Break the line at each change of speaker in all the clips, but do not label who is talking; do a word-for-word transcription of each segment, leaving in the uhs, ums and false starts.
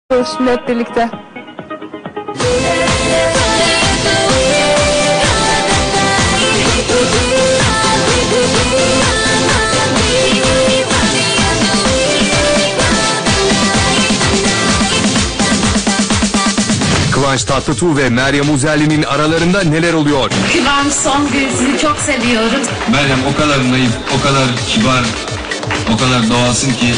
Şimdi hep birlikte.
Kıvanç Tatlıtuğ ve Meryem Uzerli'nin aralarında neler oluyor?
Kıvanç Songül, sizi çok seviyorum.
Meryem o kadar naif, o kadar kibar, o kadar doğalsın ki.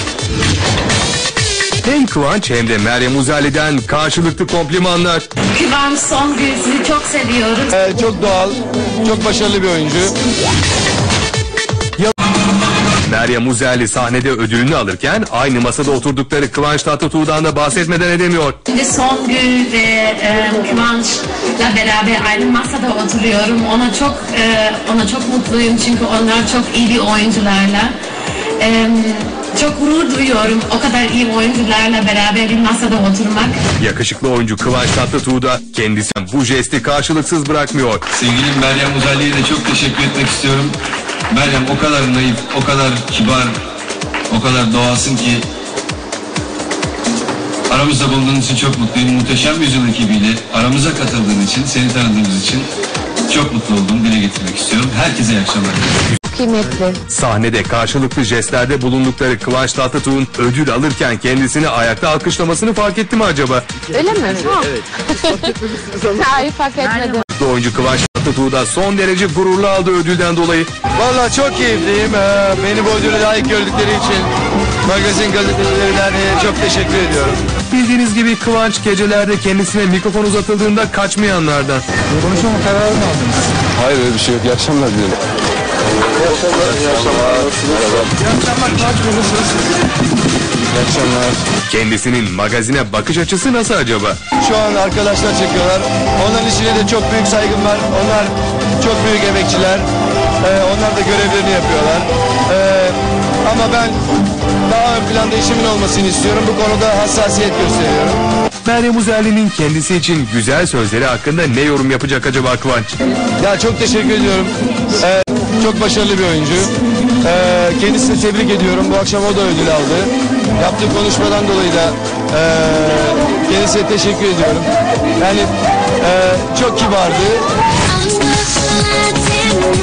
Hem Kıvanç hem de Meryem Uzerli'den karşılıklı komplimanlar.
Kıvanç Songül, sizi çok seviyorum.
Ee, çok doğal, çok başarılı bir oyuncu.
Meryem Uzerli sahnede ödülünü alırken aynı masada oturdukları Kıvanç Tatlıtuğ'dan da bahsetmeden edemiyor.
Şimdi Songül ve e, Kıvanç'la beraber aynı masada oturuyorum. Ona çok e, ona çok mutluyum çünkü onlar çok iyi bir oyuncularla. E, çok gurur duyuyorum o kadar iyi oyuncularla beraber bir masada oturmak.
Yakışıklı oyuncu Kıvanç Tatlıtuğ da kendisi bu jesti karşılıksız bırakmıyor.
Sevgilim Meryem Uzerli'ye de çok teşekkür etmek istiyorum. Meryem o kadar naif, o kadar kibar, o kadar doğalsın ki. Aramızda bulunduğun için çok mutluyum. Muhteşem Yüzyıl ekibiyle aramıza katıldığın için, seni tanıdığımız için çok mutlu oldum. Dile getirmek istiyorum. Herkese iyi akşamlar.
Kıymetli.
Sahnede karşılıklı jestlerde bulundukları Kıvanç Tatlıtuğ'un ödül alırken kendisini ayakta alkışlamasını fark etti mi acaba?
Öyle mi? Ha. Evet. Hayır, fark etmedim.
Oyuncu Kıvanç Tatlıtuğ da son derece gururlu aldığı ödülden dolayı.
Vallahi çok keyifliyim. Ee, beni bu ödülü layık gördükleri için magazin gazetecilerine çok teşekkür ediyorum.
Bildiğiniz gibi Kıvanç gecelerde kendisine mikrofon uzatıldığında kaçmayanlardan.
Konuşma kararı mı aldınız? Hayır, öyle bir şey yok. İyi akşamlar dilerim. İyi akşamlar. İyi akşamlar. İyi akşamlar. Kıvanç Bey, nasılsınız? İyi akşamlar.
Kendisinin magazine bakış açısı nasıl acaba?
Şu an arkadaşlar çekiyorlar. Onların işine de çok büyük saygım var. Onlar çok büyük emekçiler. Ee, onlar da görevlerini yapıyorlar. Ee, ama ben daha ön planda işimin olmasını istiyorum. Bu konuda hassasiyet gösteriyorum.
Meryem Uzerli'nin kendisi için güzel sözleri hakkında ne yorum yapacak acaba Kıvanç?
Ya çok teşekkür ediyorum. Ee, çok başarılı bir oyuncu. Ee, kendisini tebrik ediyorum. Bu akşam o da ödül aldı. Yaptığı konuşmadan dolayı da e, kendisine teşekkür ediyorum. Yani e, çok kibardı.